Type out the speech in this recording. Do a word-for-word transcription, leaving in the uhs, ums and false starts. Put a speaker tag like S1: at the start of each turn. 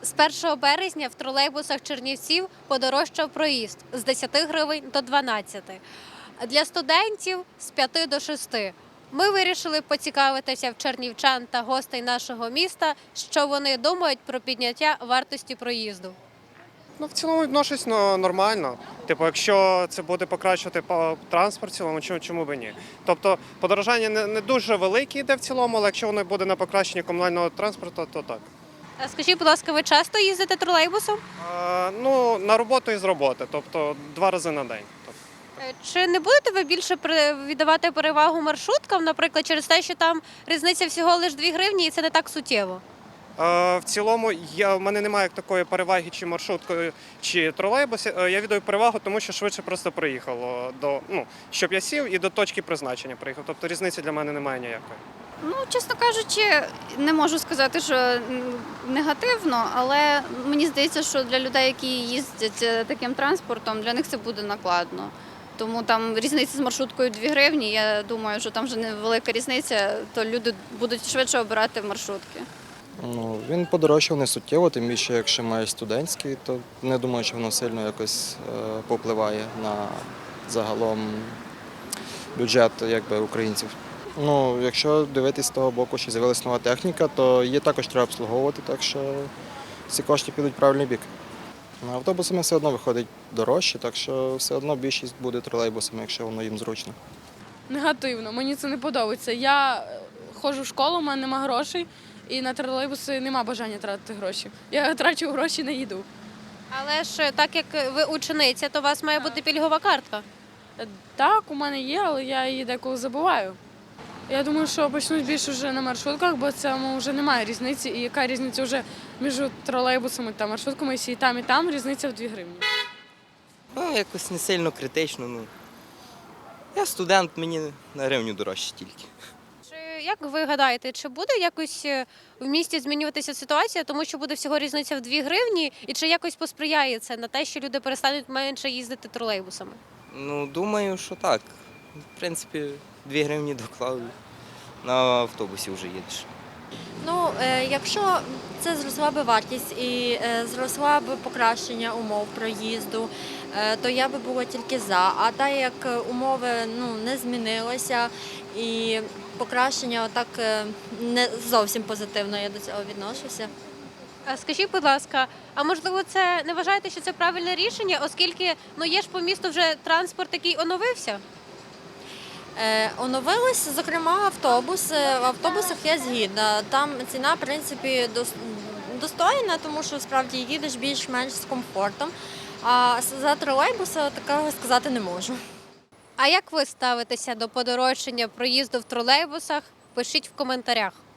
S1: З першого березня в тролейбусах Чернівців подорожчав проїзд з десяти гривень до дванадцяти. Для студентів – з п'яти до шести. Ми вирішили поцікавитися в чернівчан та гостей нашого міста, що вони думають про підняття вартості проїзду.
S2: Ну, в цілому відношусь ну, нормально. Типу, якщо це буде покращувати по транспорт, в цілому, чому, чому б ні? Тобто подорожання не, не дуже велике йде в цілому, але якщо воно буде на покращення комунального транспорту, то так.
S1: А скажіть, будь ласка, ви часто їздите тролейбусом?
S2: А, ну, на роботу і з роботи, тобто два рази на день. Тобто,
S1: Е, Чи не будете ви більше при- віддавати перевагу маршруткам, наприклад, через те, що там різниця всього лише дві гривні і це не так суттєво?
S2: Е, В цілому, я, в мене немає як такої переваги чи маршруткою, чи тролейбусі. Е, Я віддаю перевагу, тому що швидше просто приїхало до, ну, щоб я сів і до точки призначення приїхав. Тобто різниці для мене немає ніякої.
S3: Ну, чесно кажучи, не можу сказати, що м, негативно, але мені здається, що для людей, які їздять е, таким транспортом, для них це буде накладно. Тому там різниця з маршруткою дві гривні. Я думаю, що там вже невелика різниця, то люди будуть швидше обирати маршрутки.
S4: Ну, він подорожчав не суттєво, тим більше, якщо має студентський, то не думаю, що воно сильно якось е, попливає на загалом бюджет якби, українців. Ну, якщо дивитись з того боку, що з'явилася нова техніка, то її також треба обслуговувати, так що ці кошти підуть в правильний бік. Ну, автобусами все одно виходить дорожче, так що все одно більшість буде тролейбусами, якщо воно їм зручно.
S5: Негативно, мені це не подобається. Я е, ходжу в школу, у мене немає грошей, і на тролейбуси немає бажання тратити гроші. Я трачу гроші на їду.
S1: Але ж е, так як ви учениця, то у вас має бути пільгова картка.
S5: Е, Так, у мене є, але я її деколи забуваю. Я думаю, що почнуть більше вже на маршрутках, бо цьому вже немає різниці. І яка різниця вже між тролейбусами та маршрутками, якщо і там, і там різниця в дві гривні.
S6: Ну, якось не сильно критично. Ну. Я студент, мені на гривню дорожче тільки.
S1: Чи як ви гадаєте, чи буде якось е, в місті змінюватися ситуація, тому що буде всього різниця в дві гривні, і чи якось посприяє це на те, що люди перестануть менше їздити тролейбусами?
S6: Ну, думаю, що так. В принципі, дві гривні доклав, на автобусі вже їдеш.
S7: Ну, е, якщо це зросла би вартість і е, зросла б покращення умов проїзду, е, то я би була тільки за. А так як умови ну, не змінилися і покращення отак е, не зовсім позитивно я до цього відношуся.
S1: А скажіть, будь ласка, а можливо, це не вважаєте, що це правильне рішення, оскільки ну є ж по місту вже транспорт, який оновився?
S7: Е, Оновились, зокрема, автобуси. В автобусах я згідна. Там ціна, в принципі, дос- достойна, тому що справді їдеш більш-менш з комфортом. А за тролейбуса такого сказати не можу.
S1: А як ви ставитеся до подорожчання проїзду в тролейбусах? Пишіть в коментарях.